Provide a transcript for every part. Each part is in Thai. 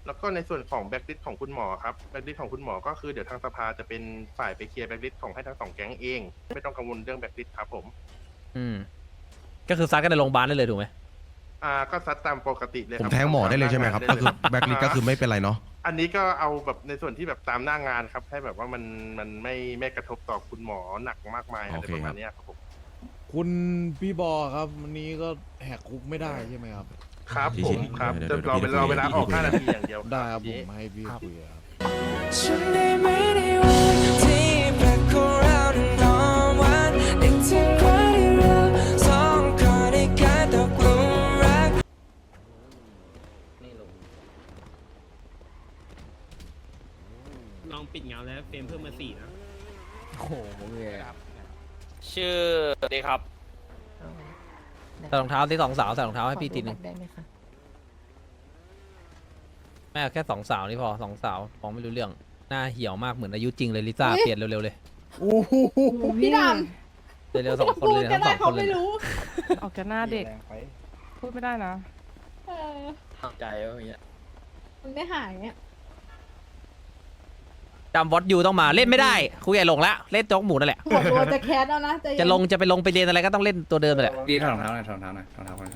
แล้วก็ในส่วนของแบ็กลิสของคุณหมอครับแบ็กลิสของคุณหมอก็คือเดี๋ยวทางสภาจะเป็นฝ่ายไปเคลียร์แบ็กลิสของให้ทั้งสองแก๊งเองไม่ต้องกังวลเรื่องแบ็กลิสครับผมอืมก็คือซัดกันในโรงพยาบาลได้เลยถูกไหมก็ซัดตามปกติเลยคผรัมแทงหมอได้เลยใช่ไหมครับก็คือแบ็กลิสก็คือไม่เป็นไรเนาะอันนี้ก็เอาแบบในส่วนที่แบบตามหน้างานครับให้แบบว่ามันไม่กระทบต่อคุณหมอหนักมากมายอะไรประมาณเนี้ยครับผมคุณพี่บอครับวันนี้ก็แหกคุกไม่ได้ใช่ไหมครับครับผมครับจะรอเวลาออก5 นาทีอย่างเดียวได้ครับผพี่มให้พี่คุยครับฉันได้ไม่ได้วันที่แปลกของเรานอนวันนึกถึงวันที่เราสองคนได้กลายตกหลุมรักลองปิดเงาแล้วเฟรมเพิ่มมา4นะโอ้โหเลยชื่อดีครับใส่รองเท้าที่สองสาวใส่รองเท้าให้พี่ทีนึงได้ไหมคะแม่เอาแค่สองสาวนี่พอสองสาวมองไม่รู้เรื่องหน้าเหี่ยวมากเหมือนอายุจริงเลยลิซ่าเปลี่ยนเร็วๆเลยโอ้โหพี่ดเร็วๆสองำคนเลยก็ทั้งสได้องคเขานเลยไม่รู้ออกจากหน้าเด็ก พูดไม่ได้นะเออเข้าใจว่าอย่างเงี้ยมันไม่หายอ่ะจำวอตยูต้องมาเล่นไม่ได้ครูใหญ่ลงละเล่นโจ๊กหมูนั่นแหละหัวตัวจะแคสแล้วนะเย็นจะลงไปเรียนอะไรก็ต้องเล่นตัวเดิมนั่นแหละดีถอดรองเท้าหน่อยถอดรองเท้าหน่อยถอดรองเท้าหน่อย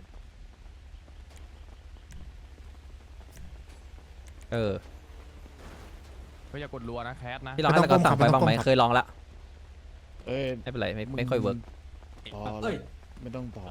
เออก็อย่ากดรัวนะแคสนะพี่ลองให้ตะกอนสั่งไปบ้างไหมเคยลองละเอ้ยไม่เป็นไรไม่ค่อยเวิร์กต่อเลยไม่ต้องต่อ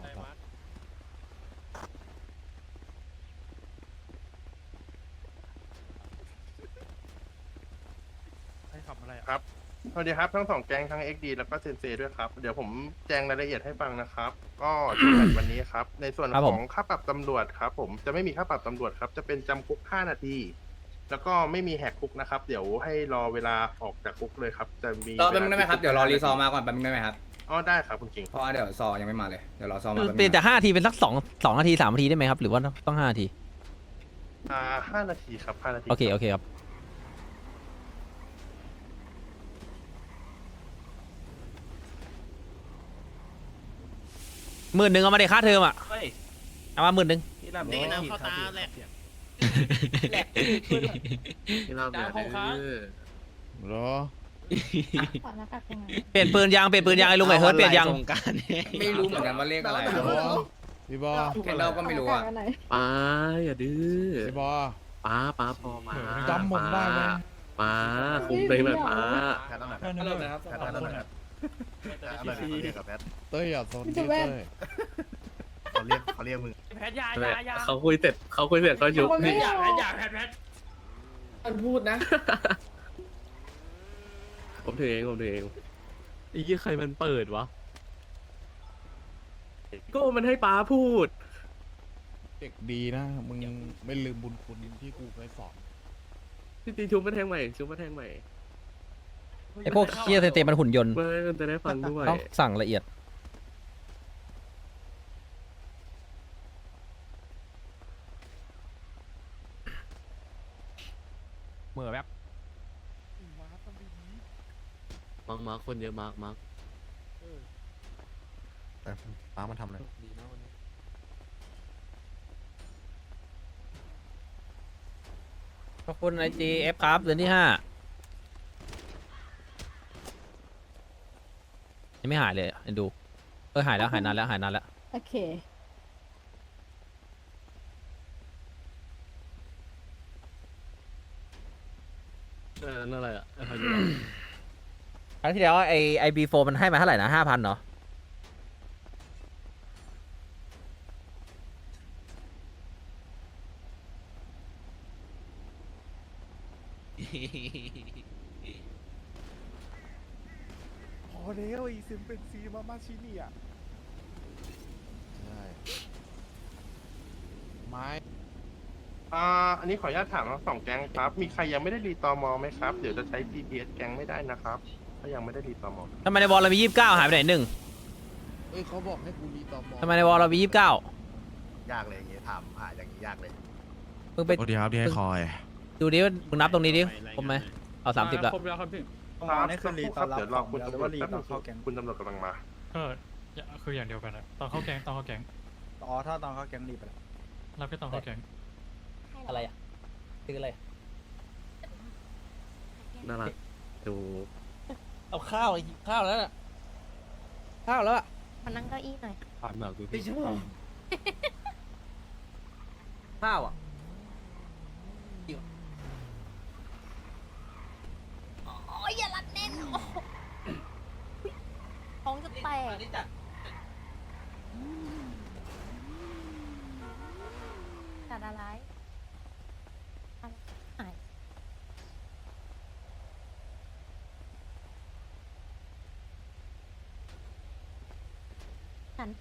ครับสวัสดีครับทั้งสองแก๊งทั้ง XD แล้วก็เซนเซด้วยครับเดี๋ยวผมแจ้งรายละเอียดให้ฟังนะครับ ก็เจอกันวันนี้ครับในส่วนของค่าปรับตำรวจครับผมจะไม่มีค่าปรับตำรวจครับจะเป็นจำคุก5 นาที แล้วก็ไม่มีแหกคุกนะครับ เดี๋ยวให้รอเวลาออกจากคุกเลยครับจะมีรอแป๊บนึงได้ไหมครับเดี๋ยวรอรีซอร์มาก่อนแป๊บนึงได้ไหมครับอ๋อได้ครับคุณกิงเพราะว่าเดี๋ยวซอยังไม่มาเลยเดี๋ยวรอซอมาแป๊บนึงเปลี่ยนจาก5 ทีเป็นสัก2 นาที3 นาทีได้ไหมครับหรือว่าต้อง5 นาที 5 นาทีครับ5 นาทีโอเคครับ10,000เอามาเด็กค่าเทอมอ่ะเอามา10,000 นี่น้ำเข้าตาแหละดาวของค้างเหรอถอดหน้ากากยังไงเปลี่ยนปืนยางไอ้ลุงไอ้เฮิร์ตเปลี่ยนยางไม่รู้เหมือนกันว่าเลขอะไรพี่บอพี่บอแคนเดลก็ไม่รู้อ่ะถอดหน้ากากอันไหนป้าอย่าดื้อพี่บอป้าพอมาจำผมได้ไหมป้าคุมเลยแบบป้าฮัลโหลนะครับเต้ยอย่าสนที่เต้ยเขาเรียกมึงแพทยาเขาคุยเสร็จก็ยุบคนไม่นี่รู้แพทมันพูดนะผมถือเองไอ้ยี่ใครมันเปิดวะก็มันให้ป้าพูดเด็กดีนะมึงไม่ลืมบุญคุณที่กูเคยสอนจริงๆชุบมาแทงใหม่ไอ้พวกเคียเตมันหุ่นยนต์ไม่มันจะได้ฟังด้วยต้องสั่งละเอียดเหมือแบบมาคนเยอะมากป้ามันทำอะไรขอบคุณไอจีเอฟครับเดือนที่5ยังไม่หายเลยอ่ะดูหายแล้วหายนานแล้วโอเคนั่นอะไรอ่ะครั้งที่แล้วไอบีโฟมันให้มาเท่าไหร่นะ5,000เนาะพอแล้วอีซิมเป็นซีมาชินี่อ่ะใช่ไม้อันนี้ขออนุญาตถามทั้งสองแก๊งครับ มีใครยังไม่ได้รีตอมอไหมครับ เดี๋ยวจะใช้ GPS แก๊งไม่ได้นะครับ ถ้ายังไม่ได้รีตอมอทำไมในวอลเรามี29หายไปไหน1 เอ้ยเขาบอกให้กูรีตอมอทำไมในวอลเรามี29 ยากเลยอย่างเงี้ยถามอย่างนี้ยากเลยมึงไปโทษทีครับที่ให้คอยดูดิว่ามึงนับตรงนี้ดิครบไหมเอา30ละครบแล้วครับพี่นี่คือรีตอนรับเดี๋ยวรอคุณตำรวจแป๊บนึงคุณตำรวจกำลังมาคืออย่างเดียวกันนะตอนเข้าแก๊งถ้าตอนเข้าแก๊งรีบไปแล้วรับแค่ตอนเข้าแก๊งอะไรอ่ะคืออะไรน่ารักดูเอาข้าวหิวข้าวแล้วน่ะข้าวแล้วอ่ะมานั่งเก้าอี้หน่อยผ่านหนักดูไม่พี่ชอบข้าวอ่ะโอ้ยอย่ารัดแน่นโอ้โหท้องจะแตกจัดอะไรหายฉัน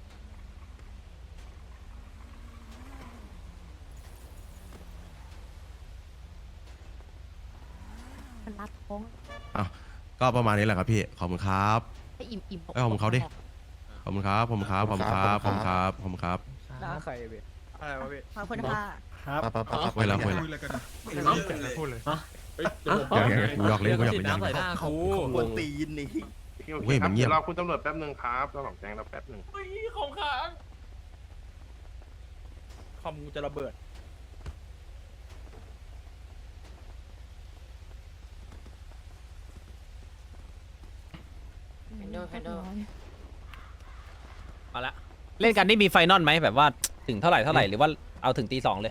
มันรัดท้องก็ประมาณนี้แหละครับพี่ขอบคุณครับให้อิ่มอิ่มเอ้ยขอบคุณเขาดิ ขอบคุณครับขอบคุณครับขอบคุณครับขอบคุณครับขอบคุณครับหน้าใครเว้ยอะไรวะพี่ขอบคุณค่ะคุยแล้วคุยแล้วพูดเลยกูหยอกเล่นกูหยอกเล่นควรตีนนี่เว้ยมันเงียบดี๋วรอคุณตำรวจแป๊บหนึ่งครับเราสองแก๊งเราแป๊บหนึ่งของค้างคอมกูจะระเบิดเอาละเล่นกันนี่มีไฟนอลไหมแบบว่าถึงเท่าไหร่หรือว่าเอาถึงตี 2เลย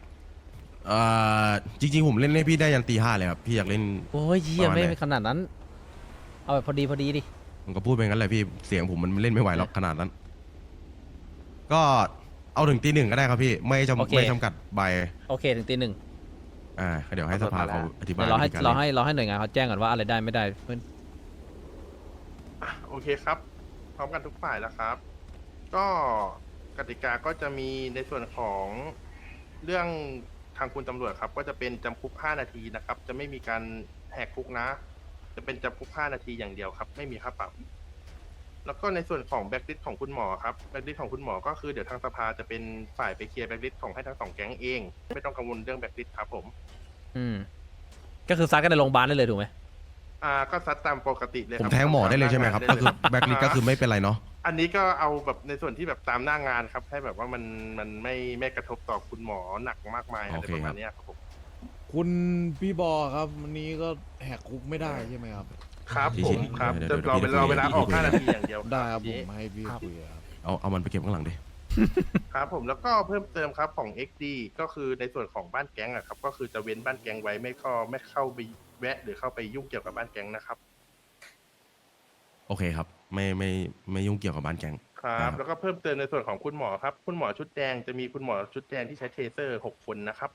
จริงๆผมเล่นให้พี่ได้ยันตี 5เลยครับพี่อยากเล่นโอ้ยเยี่ยประมาณไหนไม่ขนาดนั้น เอาแบบพอดีดิผมก็พูดไปงั้นแหละพี่เสียงผมมันเล่นไม่ไหวหรอกขนาดนั้น ก็เอาถึงตี 1ก็ได้ครับพี่ไม่จำกัดใบโอเคถึงตี 1 เดี๋ยวให้สภาเขาอธิบายเดี๋ยวเราให้วิธีกเราล่นให้หน่วยงานเขาแจ้งก่อนว่าอะไรได้ไม่ได้เพื่อนโอเคครับ พร้อมกันทุกฝ่ายแล้วครับ ก็กติกาก็จะมีในส่วนของเรื่องทางคุณตำรวจครับ ก็จะเป็นจำคุก 5 นาทีนะครับ จะไม่มีการแหกคุกนะ จะเป็นจำคุก 5 นาทีอย่างเดียวครับ ไม่มีค่าปรับ แล้วก็ในส่วนของแบ็กลิสของคุณหมอครับแบ็กลิสของคุณหมอก็คือเดี๋ยวทางสภาจะเป็นฝ่ายไปเคลียร์แบ็กลิสของให้ทั้งสองแก๊งเอง ไม่ต้องกังวลเรื่องแบ็กลิสครับผมก็คือซัดกันในโรงพยาบาลได้เลยถูกไหมก็ซัดตามปกติเลยคผรับมแทงหมอได้เลยใช่ไหมครับก็คือแบ็คลิสก็คือไม่เป็นไรเนาะอันนี้ก็เอาแบบในส่วนที่แบบตามหน้างานครับ ให้แบบว่ามันไม่กระทบต่อคุณหมอหนักมากมายอะไรประมาณเนี้ยครับผมคุณพี่บอครับวันนี้ก็แหกคุกไม่ได้ใช่ไหมครับครับผมครับเดี๋จะยวรอเดี๋ยวเวลาออกคุย 5 นาทีอย่างเดียวได้ครับทีผมนี้ให้พี่คุยครับเอามันไปเก็บข้างหลังดิครับผมแล้วก็เพิ่มเติมครับของ XD ก็คือในส่วนของบ้านแก๊งอะครับก็คือจะเว้นบ้านแก๊งไว้ไม่เข้าไปแวะ หรือเข้าไปยุ่งเกี่ยวกับบ้านแก๊งนะครับโอเคครับไม่ยุ่งเกี่ยวกับบ้านแกงครับแล้วก็เพิ่มเติมในส่วนของคุณหมอครับคุณหมอชุดแดงจะมีคุณหมอชุดแดงที่ใช้เทเซอร์6 คนนะครับ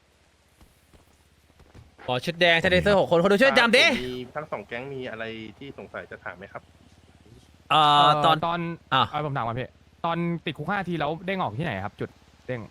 ขอชุดแดงชาเดเซอร์6 คนคนดูช่วยจำดิมีทั้งสองแก๊งมีอะไรที่สงสัยจะถามไหมครับตอนผมถามก่อนพี่ตอนติดคุก5 ทีแล้วเด้งออกที่ไหนครับ จุดเด้ง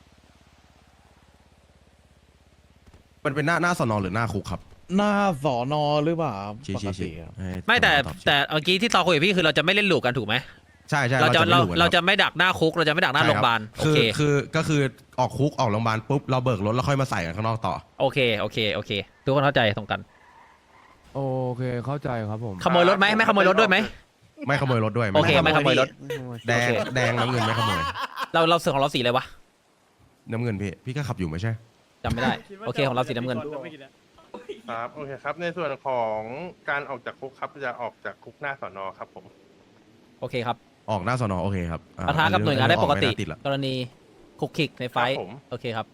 มันเป็นหน้าสนหรือหน้าคุกครับหน้าสอนอหรือเปล่าครับชี้ปกติครับให้ไม่แต่ตอบแต่เมื่อกี้ที่ตอคุยกับพี่คือเราจะไม่เล่นลูกกันถูกไหมใช่เราจะไม่รู้กันเราคจะบไม่ดักหน้าคุกเราจะไม่ดักหน้าโรงพยาบาลโอคือเคก็คือออกคุกออกโรงพยาบาลปุ๊บเราเบิกรถแล้วค่อยมาใส่กันข้างนอกต่อโอเคทุกคนเข้าใจตรงกันโอเคเข้าใจครับผมขโมยรถไหมไม่ขโมยรถด้วยไหมไม่ขโมยรถด้วยโอเคไม่ขโมยรถแดงโอเคแดงน้ำเงินไม่ขโมยเราเสือของเราสีอะไรวะน้ำเงินพี่ก็ขับอยู่ไม่ใช่จำไม่ได้โอเคของเราสีน้ำเงินครับโอเคครับในส่วนของการออกจากคุกครับจะออกจากคุกหน้าสอนอครับผมโอเคครับออกหน้าสนโอเคครับปะทะกับหน่วยงานได้ปกติออม่าละกรณีคุกคิกในไฟท์ครับผมโอเคครับ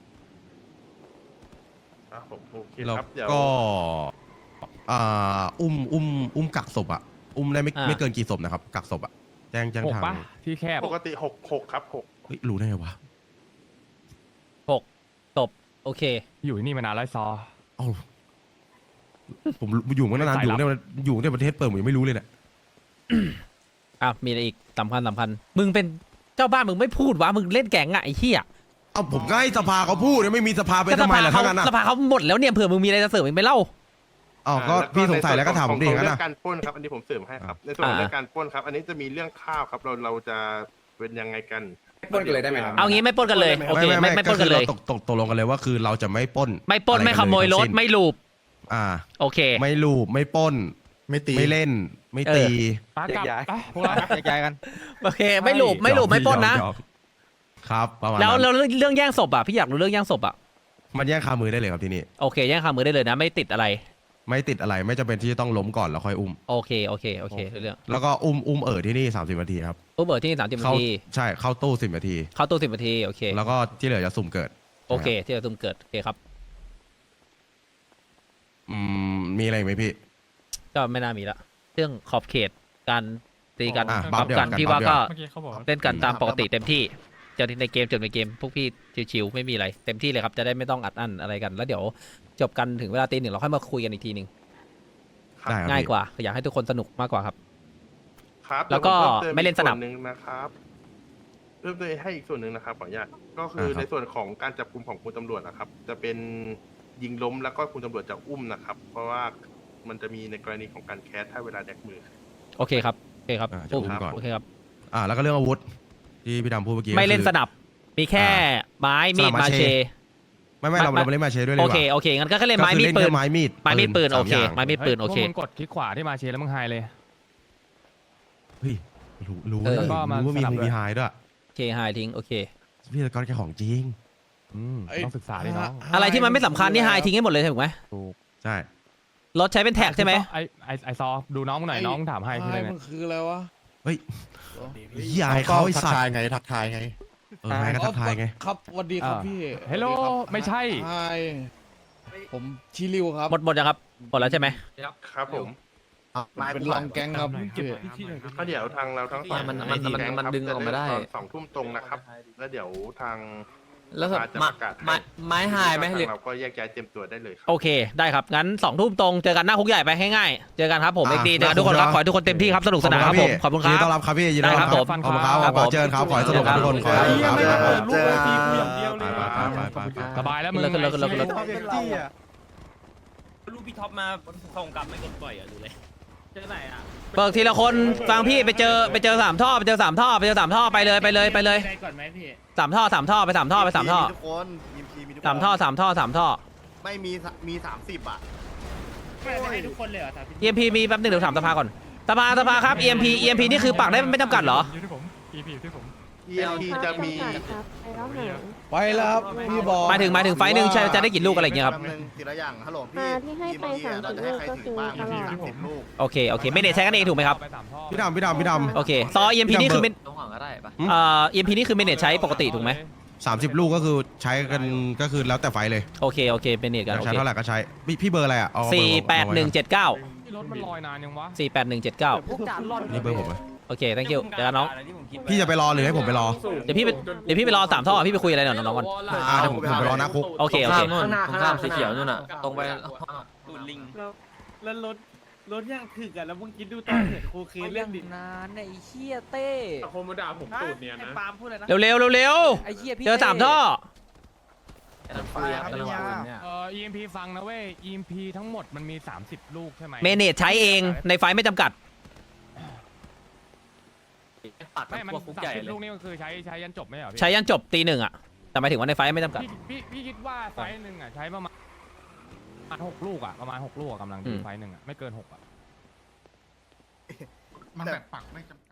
ครับผมโอเคแล้วครับเดี๋ยวก็อุ้มกักศพอ่ะอุ้มได้ไม่เกินกี่ศพนะครับกักศพอ่ะแจ้ง 6 ทางปะที่แคบปกติ6ครับ6 เฮ้ยรู้ได้ไงวะตบโอเคอยู่ที่นี่มานานแล้วซอเอ้าผมอยู่มานานสายอยู่ลับในประเทศเปิดผมยังไม่รู้เลยเนี่ยมีอะไรอีกสำคัญมึงเป็นเจ้าบ้านมึงไม่พูดวะมึงเล่นแก๊งอะไอ้เหี้ยเอ้าผมก็ให้สภาเขาพูดเนี่ยไม่มีสภาไปทำไมล่ะทั้งนั้นอ่ะสภาเขาหมดแล้วเนี่ยเผื่อมึงมีอะไรจะเสริมมึงไปเล่าอ๋อก็พี่สงสัยแล้วก็ถามผมดิอย่างนั้นเรื่นะการปล้นครับ อันนี้ผมเสริมให้ครับ ในส่วนของเรื่องการปล้นครับ อันนี้จะมีเรื่องข้าวครับ เราจะเป็นยังไงกันปล้นกันเลยได้ไหมครับเอางี้ไม่ปล้นกันเลยโอเคไม่ปล้นกันเลยก็คือราตกลงกันเลยว่าคือเราจะไม่ปล้นไม่ปล้นไม่ขโมยรถไม่ลูบ โอเคไม่ลูบไม่ปล้นไม่ตีไม่เล่นไม่ตีปากลับไปพวกเราย้ายกันโอเคไม่ลูบไม่ปล้นนะครับประมาณแล้วนั้นเรื่องแย่งศพอ่ะพี่อยากรู้เรื่องแย่งศพอ่ะมันแย่งคามือได้เลยครับที่นี่โอเคแย่งคามือได้เลยนะไม่ติดอะไรไม่ติดอะไรไม่จำเป็นที่จะต้องล้มก่อนแล้วค่อยอุ้มโอเคโอเคโอเคเรื่องแล้วก็อุ้มที่นี่30 นาทีครับอุเบอร์ที่30 นาเข้าทีใช่เข้าตู้10 นาทีเข้าตู้10 นาทีโอเคแล้วก็ที่เหลือจะสุ่มเกิดโอเคที่เราตุ้มเกิดโอเคครับมีอะไรอีกไหมพี่ก็ไม่น่ามีละเรื่องขอบเขตการตีกันบัฟเดี๋ยวกันกันพี่บัว่าฟเดี๋ยวก็เมื่อกี้เขาบอกเล่นกันตามปกติเต็มที่เจอในเกมในเกมพวกพี่ชิวๆไม่มีอะไรเต็มที่เลยครับจะได้ไม่ต้องอัดอั้นอะไรกัน แล้วเดี๋ยวจบกันถึงเวลาตี 1เราค่อยมาคุยกันอีกทีหนึ่งได้ครับง่ายพี่กว่าอยากให้ทุกคนสนุกมากกว่าครับครับแล้วก็ดี๋ยผพิ่ไม่เล่นสนับอีกส่วหนึ่งนะครับเพิ่มเติมให้อีกส่วนหนึ่งนะครับขออนุญาตก็คือในส่วนของการจับกลุ่มของคุณตำรวจนะครับ จะเป็นยิงล้มแล้วก็คุณตำรวจจะอุ้มนะครับ เพราะว่ามันจะมีในกรณีของการแคสถ้าเวลาแดกมือโอเคครับโอเคครับจะอุ้มก่อนโอเคครับแล้วก็เรื่องอาวุธที่พี่ดำพูดเมื่อกี้ไม่เล่นก็คือสนับมีแค่ไม้มีดสนับมามาเชเชไม่เราเล่นมาเชด้วยเลยโอดีกเคว่าโอเคงั้นก็เล่นไม้มีดก็ปืคือน เล่นแค่ไม้มีดไม้มีดปืนสามโอเคอย่างไม้มีดปืนโอเคพวกมึงกดคลิกขวาที่มาเชแล้วมึงไฮเลยเฮ้ยรู้เออเลยก็มารู้ว่ามีสนับด้วยมีไฮด้วยโอเคไฮทิ้งโอเคพี่ตะกอนแกของจริงต้องศึกษาดิน้องอะไรที่มันไม่สำคัญนี่ไฮทิ้งให้หมดเลยถูกไหมถูกใช่รถใช้เป็นแท็กใช่ไหมไอซอดูน้องมึงหน่อยน้องถามให้คืออะไรเนี่ยมันคืออะไรวะเฮ้ยยายเขาไอ้สัตว์ทักทายไงไงก็ทักทายไงครับสวัสดีครับพี่เฮลโลไม่ใช่ใช่ผมชิริวครับหมดยังครับหมดแล้วใช่ไหมครับผมเป็นรองแก๊งครับพี่ก็เดี๋ยวทางเราทั้งสองมันดึงออกมาได้ตอน2 ทุ่มตรงนะครับ แล้วเดี๋ยวทางแล้วสภาจะประกาศให้ไม้หายไหมทหรือางเราก็แยกย้ายเตรียมตัวได้เลยครับโอเคได้ครับงั้น2 ทุ่มตรงเจอกันหน้าคุกใหญ่ไปง่ายๆเจอกันครับผมเอ็กดีเจอกันทุกคนครับขอให้ทุกคนเต็มที่ครับสนุกสนานครับผมขอบคุณคยินรัดีต้อบ นรับครับพี่ยินดีต้อนรับได้ครับผมขอบคุณครับครับขอผมเจอกันครับขอให้สนุกกับทุกคนขอให้สนุกครับลูกเลยทีกูอย่างเดียวเลยไปสบายแล้วมึงขึ้นเลยขึ้นเลยขึ้นเลยลูกพี่ท็อปมาส่งกลับไม่กดปล่อยอ่ะดูเลยเจอไหนอ่ะเปิดทีละคนฟังพี่ไปเจอ3 ท่อไปเจอ3 ท่อไปเจอ3 ท่อไปเลยก่อนไหมพี่ 3 ท่อ3 ท่อไป3 ท่อไป3 ท่อทุกคนยิมพีมีทุกคน 3 ท่อ3 ท่อ3 ท่อไม่มี30 อ่ะไม่ให้ทุกคนเลยเหรอ EMP มีแป๊บนึงเดี๋ยวถามสภาก่อนสภาครับ EMP นี่คือปักได้ไม่จำกัดเหรออยู่ที่ผม EP อยู่ที่ผม EMP จะมีไปแล้วครับพี่บอลหมายถึงไฟล์หนึ่งจะได้กี่ลูกอะไรอย่างเงี้ยครับแป๊นึงทีละอย่างฮัลโหลพี่ที่ให้ไป EMP อะเราจะให้ใครถือบ้าง 30 มีลูกก็คือ 30 ลูกโอเคไม่ได้ใช้กันเองถูกไหมครับไปสามท่อพี่ดำโอเคซอ EMP นี่คือตรงห่างก็ได้ปะ EMP นี่คือเมเนจใช้ปกติถูกไหม 30 ลูกก็คือใช้กันก็คือแล้วแต่ไฟเลยโอเคเมเนจกันโอใช้เคเท่าไหร่ก็ใช้พี่เบอร์อะไรอ่ะเอาเบอร์ 48179 รถมันลอยนานยังวะ 48179 พวกจานร่อนนี่เบอร์ผมไหมโอเค thank you เจอกันน้องพี่จะไปรอหรือให้ผมไปรอเดี๋ยวพี่ไปรอ3 ท่อพี่ไปคุยอะไรหน่อยน้องก่อนเดี๋ยวผมไปรอหน้าคุกโอเคข้ามนู่นตรงข้ามสีเขียวนู่นน่ะตรงไปตูดลิงแล้วรถย่างถึกอ่ะแล้วมึงคิดดูตอนเห็นโคเคนเรื่องดินานไอ้เชี่ยเต้โคมด่าผมตูดเนี่ยนะปาล์มพูดอะไรนะเร็วไอ้เชี่ยพี่เจอ3 ท่อ EMP ฟังนะเว้ย EMP ทั้งหมดมันมี 30 ลูกใช่ไหมเมเนจใช้เองในไฟล์ไม่จำกัดปักไม่มันพวกคุกใหญ่ 30 เลยลูกนี่ก็คือใช้ยันจบไหมเหรอพี่ใช้ยันจบตี 1อ่ะแต่หมายถึงว่าในไฟล์ไม่จำกัดพี่คิดว่าไฟล์หนึ่งอ่ะใช้ประมาณ6 ลูกอ่ะประมาณ6 ลูกอะกำลังดีไฟล์หนึ่งอ่ะไม่เกิน6อ่ะมันแบบปักไม่จำ